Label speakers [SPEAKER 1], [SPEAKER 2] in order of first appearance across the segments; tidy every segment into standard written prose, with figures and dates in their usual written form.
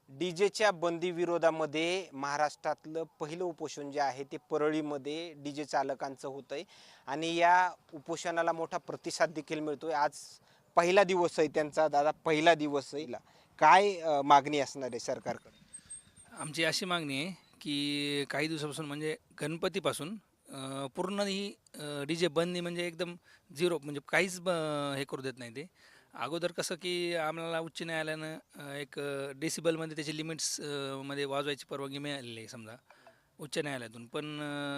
[SPEAKER 1] डीजेच्या बंदी विरोधामध्ये महाराष्ट्रातलं पहिलं उपोषण जे आहे ते परळीमध्ये डीजे चालकांचं होतंय आणि या उपोषणाला मोठा प्रतिसाद देखील मिळतोय. आज पहिला दिवस आहे त्यांचा. दादा, पहिला दिवस आहे. काय मागणी असणार आहे सरकारकडे?
[SPEAKER 2] आमची अशी मागणी आहे की काही दिवसापासून म्हणजे गणपतीपासून पूर्ण ही डी-जे बंदी म्हणजे एकदम झिरो म्हणजे काहीच हे करू देत नाही ते. अगोदर कसं की आम्हाला उच्च न्यायालयानं एक डेसिबलमध्ये त्याची लिमिट्स मध्ये वाजवायची परवानगी मिळालेली आहे समजा उच्च न्यायालयातून. पण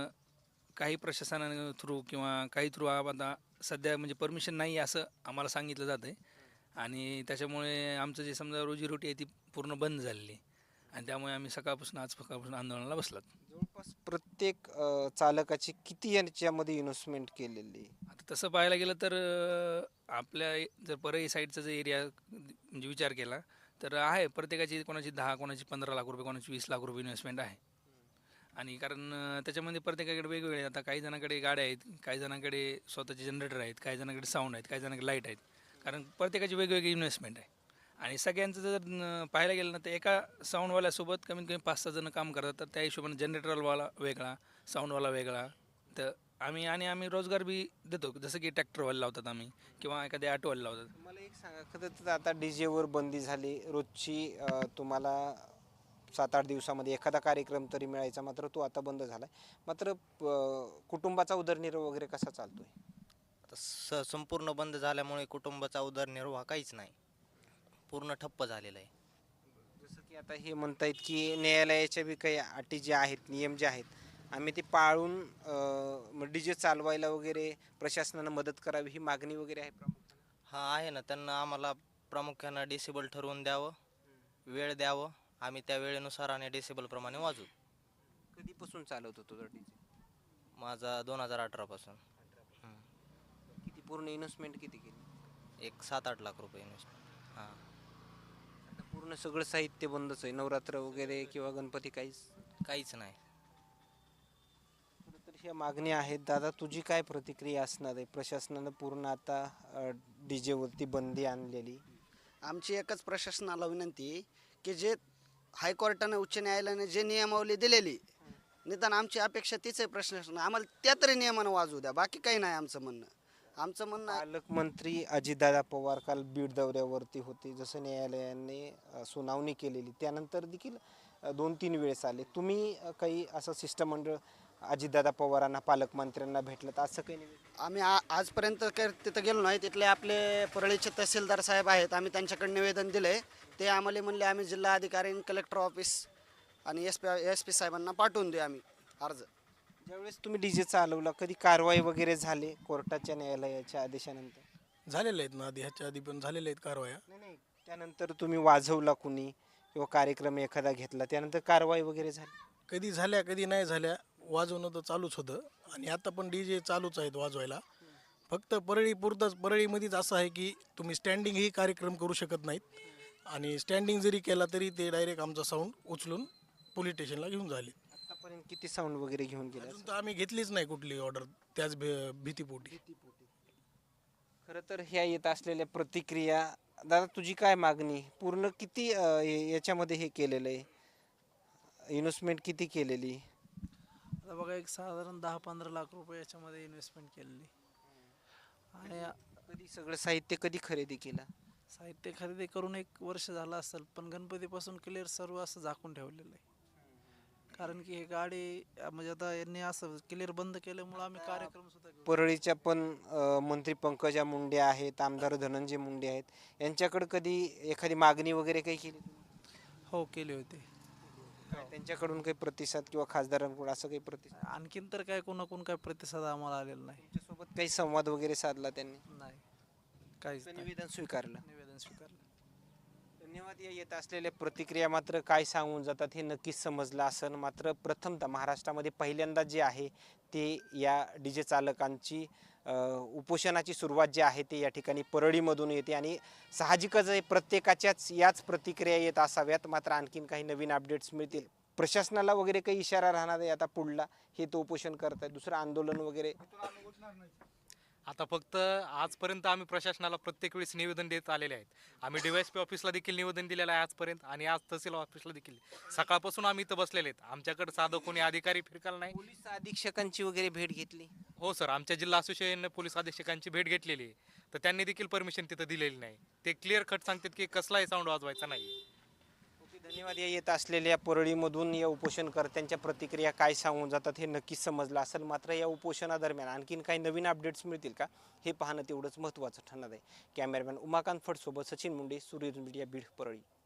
[SPEAKER 2] काही प्रशासनानं थ्रू किंवा काही थ्रू आता सध्या म्हणजे परमिशन नाही असं आम्हाला सांगितलं जातं आहे आणि त्याच्यामुळे आमचं जे समजा रोजीरोटी आहे ती पूर्ण बंद झालेली आहे. आणि त्यामुळे आम्ही सकाळपासून आंदोलनाला बसलात.
[SPEAKER 1] जवळपास प्रत्येक चालकाची किती याच्यामध्ये इन्व्हेस्टमेंट केलेली आहे?
[SPEAKER 2] आता तसं पाहायला गेलं तर आपल्या जर परळी साईडचा जर एरिया म्हणजे विचार केला तर आहे प्रत्येकाची कोणाची 10 कोणाची 15 लाख रुपये कोणाची 20 लाख रुपये इन्व्हेस्टमेंट आहे. आणि कारण त्याच्यामध्ये प्रत्येकाकडे वेगवेगळे आता काही जणांकडे गाड्या आहेत, काही जणांकडे स्वतःचे जनरेटर आहेत, काही जणांकडे साऊंड आहेत, काही जणांकडे लाईट आहेत. कारण प्रत्येकाची वेगवेगळी इन्व्हेस्टमेंट आहे. आणि सगळ्यांचं जर पाहायला गेलं ना तर एका साऊंडवाल्यासोबत कमीत कमी 5-6 जण काम करतात. तर त्या हिशोबाने जनरेटरवाला वेगळा, साऊंडवाला वेगळा. तर आम्ही रोजगार बी देतो. जसं की ट्रॅक्टरवाले लावतात आम्ही किंवा एखाद्या ऑटोवाले लावतात.
[SPEAKER 1] मला एक सांगा, खरं तर आता डीजेवर बंदी झाली. रोजची तुम्हाला 7-8 दिवसामध्ये एखादा कार्यक्रम तरी मिळायचा, मात्र तो आता बंद झालाय. मात्र कुटुंबाचा उदरनिर्वाह वगैरे कसा चालतोय?
[SPEAKER 3] आता संपूर्ण बंद झाल्यामुळे कुटुंबाचा उदरनिर्वाह काहीच नाही, पूर्ण ठप्प झालेला आहे.
[SPEAKER 1] जसं की आता हे म्हणतायत की न्यायालयाच्या बी काही अटी ज्या आहेत, नियम जे आहेत, आम्ही ते पाळून डीजे चालवायला वगैरे प्रशासनानं मदत करावी, ही मागणी वगैरे आहे प्रामुख्याने.
[SPEAKER 3] हा आहे ना, त्यांना आम्हाला प्रामुख्यानं डिसेबल ठरवून द्यावं, वेळ द्यावं, आम्ही त्या वेळेनुसार आणि डिसेबलप्रमाणे वाजू.
[SPEAKER 1] कधीपासून चालवत होतो तो डीजे?
[SPEAKER 3] माझा 2018 पासून.
[SPEAKER 1] किती पूर्ण इन्व्हेस्टमेंट किती केली?
[SPEAKER 3] एक 7-8 लाख रुपये इन्व्हेस्ट. हां.
[SPEAKER 1] आता पूर्ण सगळं साहित्य बंदच आहे, नवरात्र वगैरे किंवा गणपती काहीच?
[SPEAKER 3] काहीच नाही.
[SPEAKER 1] खरं तर ह्या मागण्या आहेत. दादा, तुझी काय प्रतिक्रिया असणार आहे? प्रशासनानं पूर्ण आता डीजेवरती बंदी आणलेली.
[SPEAKER 4] आमची एकच प्रशासनाला विनंती आहे की जे हायकोर्टाने उच्च न्यायालयाने जे नियमावली दिलेली, निदान आमची अपेक्षा तीच आहे प्रशासन आम्हाला त्या तरी नियमानं वाजवू द्या, बाकी काही नाही आमचं म्हणणं. आमचं म्हणणं
[SPEAKER 1] पालकमंत्री अजितदादा पवार काल बीड दौऱ्यावरती होते. जसं न्यायालयाने सुनावणी केलेली त्यानंतर देखील 2-3 वेळेस आले. तुम्ही काही असं शिष्टमंडळ अजितदादा पवारांना, पालकमंत्र्यांना भेटलं असं काही नाही?
[SPEAKER 4] आम्ही आजपर्यंत काही तिथं गेलो नाही. तिथले आपले परळीचे तहसीलदार साहेब आहेत, आम्ही त्यांच्याकडे निवेदन दिले. ते आम्हाला म्हणले आम्ही जिल्हा अधिकारी, कलेक्टर ऑफिस आणि एस पी साहेबांना पाठवून देऊ आम्ही अर्ज.
[SPEAKER 1] ज्यावेळेस तुम्ही डीजे चालवला, कधी कारवाई वगैरे झाली कोर्टाच्या न्यायालयाच्या आदेशानंतर?
[SPEAKER 5] झालेले आहेत ना, आधी ह्याच्या आधी पण झालेल्या आहेत कारवाया.
[SPEAKER 1] नाही, त्यानंतर तुम्ही वाजवला कुणी किंवा कार्यक्रम एखादा घेतला त्यानंतर कारवाई वगैरे झाली?
[SPEAKER 5] कधी झाल्या कधी नाही झाल्या, वाजवणं तर चालूच होतं आणि आता पण DJ चालूच आहेत वाजवायला. फक्त परळी पुरतंच, परळीमध्येच असं आहे की तुम्ही स्टँडिंगही कार्यक्रम करू शकत नाहीत आणि स्टँडिंग जरी केला तरी ते डायरेक्ट आमचा साऊंड उचलून पोलीस स्टेशनला घेऊन झाले.
[SPEAKER 1] आतापर्यंत किती साऊंड वगैरे घेऊन गेले?
[SPEAKER 5] अजून तर आम्ही घेतलीच नाही कुठली ऑर्डर त्याच भीतीपोटी.
[SPEAKER 1] खरं तर ह्या येत असलेल्या प्रतिक्रिया. दादा, तुझी काय मागणी? पूर्ण किती याच्यामध्ये हे केलेलं आहे, इन्व्हेस्टमेंट किती केलेली?
[SPEAKER 6] आता बघा एक साधारण 10-15 लाख रुपये याच्यामध्ये इन्व्हेस्टमेंट केलेली आणि
[SPEAKER 1] कधी सगळं साहित्य कधी खरेदी केलं?
[SPEAKER 6] साहित्य खरेदी करून 1 वर्ष झालं असेल, पण गणपतीपासून क्लिअर सर्व असं झाकून ठेवलेलं आहे. कारण की हे गाडी म्हणजे आता यांनी असं क्लिअर बंद केल्यामुळं आम्ही कार्यक्रम सुद्धा घेऊ.
[SPEAKER 1] परळीच्या पण मंत्री पंकजा मुंडे आहेत, आमदार धनंजय मुंडे आहेत, यांच्याकडे कधी एखादी मागणी वगैरे काही केली?
[SPEAKER 6] हो केले होते.
[SPEAKER 1] त्यांच्याकडून काही प्रतिसाद किंवा खासदारांकडून असं काही प्रतिसाद?
[SPEAKER 6] आणखीन तर काय कोणाकडून काय प्रतिसाद आम्हाला आलेला नाही.
[SPEAKER 1] त्यांच्यासोबत काही संवाद वगैरे साधला त्यांनी?
[SPEAKER 6] नाही, काहीच नाही.
[SPEAKER 1] निवेदन स्वीकारलं?
[SPEAKER 6] निवेदन स्वीकारलं.
[SPEAKER 1] धन्यवाद. या येत असलेल्या प्रतिक्रिया मात्र काय सांगून जातात हे नक्कीच समजलं असेल. मात्र प्रथमतः महाराष्ट्रामध्ये पहिल्यांदा जे आहे ते या डीजे चालकांची उपोषणाची सुरुवात जी आहे ते या ठिकाणी परळीमधून येते आणि साहजिकच आहे प्रत्येकाच्याच याच प्रतिक्रिया येत असाव्यात. मात्र आणखीन काही नवीन अपडेट्स मिळतील. प्रशासनाला वगैरे काही इशारा राहणार आहे आता पुढला, हे तो उपोषण करतायत, दुसरं आंदोलन वगैरे?
[SPEAKER 7] आता फक्त आजपर्यंत आम्ही प्रशासनाला प्रत्येक वेळेस निवेदन देत आलेले आहेत. आम्ही DYSP ऑफिसला देखील निवेदन दिलेलं आहे आजपर्यंत आणि आज तहसील ऑफिसला देखील. सकाळपासून आम्ही इथं बसलेले आहेत. आमच्याकडे साधं कोणी अधिकारी फिरकाल नाही.
[SPEAKER 1] पोलीस अधीक्षकांची वगैरे भेट घेतली?
[SPEAKER 7] हो सर, आमच्या जिल्हा असोसिएशनने पोलीस अधीक्षकांची भेट घेतलेली आहे. तर त्यांनी देखील परमिशन तिथं दिलेली नाही. ते क्लिअर कट सांगतात की कसलाही साऊंड वाजवायचा नाही.
[SPEAKER 1] ओके, धन्यवाद. या येत असलेल्या परळीमधून या उपोषणकर्त्यांच्या प्रतिक्रिया काय सांगून जातात हे नक्कीच समजलं असेल. मात्र या उपोषणादरम्यान आणखीन काही नवीन अपडेट्स मिळतील का हे पाहणं तेवढंच महत्त्वाचं ठरणार आहे. कॅमेरामॅन उमाकांत फडसोबत सचिन मुंडे, सूर्य मीडिया, बीड, परळी.